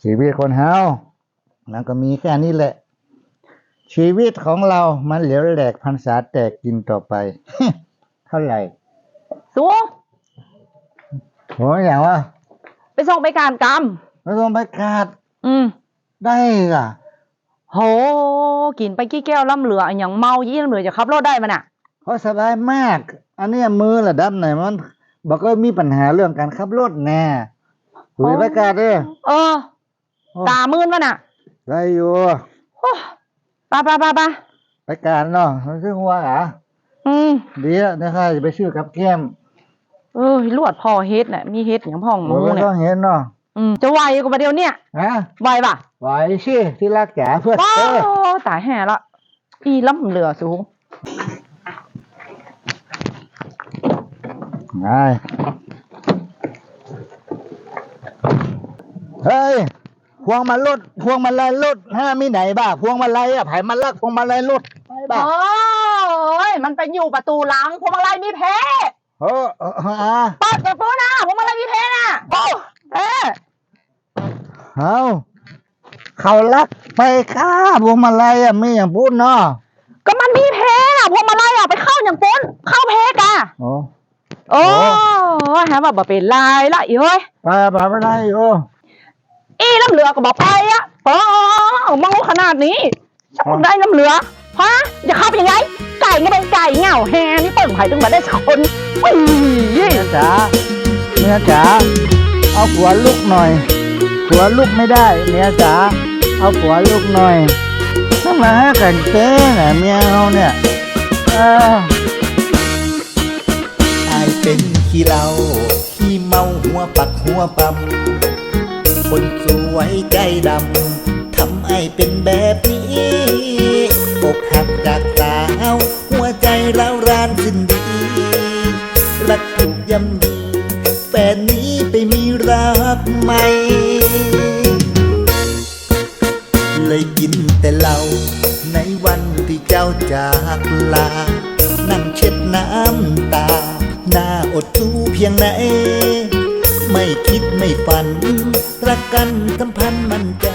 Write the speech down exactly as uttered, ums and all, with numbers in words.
ชีวิตคนเฮามันก็มีแค่นี้แหละชีวิตของเรามันเหลวแหลกพรรษาแตกกินต่อไป เท่าไหร่สูงโหอย่างว่าไปส่งไปการกรรมไม่ต้องไปกาดอืมได้ก่ะโหกินไปกี่แก้วล่ำเหลืออย่างเมายี่ล่ำเหลือจะขับรถได้มันอ่ะเขาสบายมากอันนี้มือระดับไหนมันบอกก็มีปัญหาเรื่องการขับรถแน่หุยไปกาดเด้อเออตามื่นมันอ่ะได้อยู่ปะปะปะปะไปกาดเนาะมันซื้อหัวอ่ะอืมเดี๋ยวนะครับจะไปซื้อกับแก้มเออลวดพอเฮ็ดน่ะมีเฮ็ดอย่างพ่องหมูเนี่ยต้องเห็นเนาะอืมจะไหวกว่าเดียวเนี่ยฮะไหวป่ะไหวสิที่รักจ๋าเพื่อนโอ้ตายแห่ละอีล้ำเหลือสูงไงเฮ้ยพวงมาลัยพวงมาลัยรถห้ามีไหนบ้าพวงมาลัยอ่ะไผ่มันลักพวงมาลัยรถไม่บ้าโอ้ยมันไปอยู่ประตูหลังพวงมาลัยมีแพ้เออเออฮะเปิดประตูนะพวงมาลัยมีแพ้น่ะโอ้เออเอาเขาลักไปค่าพวงมาลัยอ่ะไม่อย่างพูดเนาะก็มันมีแพ้น่ะพวงมาลัยอ่ะไปเข้าอย่างปุ้นเข้าแพ้กะโอ้โอ้ฮะแบบเป็นลายละอีเฮ้ยไปไปไม่ได้โอ้อีน้ำเหลือก็บอกไปอ่ะเออมองขนาดนี้จะได้น้ำเหลือฮะจะเข้าไปยังไงไก่ก็เป็นไก่เหงาแฮนี่เปิ่งไผ่ตึงมาได้สักคนอุ้ยเมียจ๋าเมียจ๋าเอาหัวลุกหน่อยหัวลุกไม่ได้เมียจ๋าเอาหัวลุกหน่อยทำไมให้กันเต้น่ะเมียเราเนี่ยเออไอเป็นขี้เหล้าขี้เมาหัวปักหัวปั๊มคนสวยใจดำทำไอเป็นแบบนี้อกหักจากสาวหัวใจร้าวรานสิ้นดีรักถูกย่ำยีแฟนนี้ไปมีรักใหม่เลยกินแต่เหล้าในวันที่เจ้าจากลานั่งเช็ดน้ำตาหน้าอดทูเพียงไหนไม่คิดไม่ฝันรักกันสัมพันธ์มั่นใจ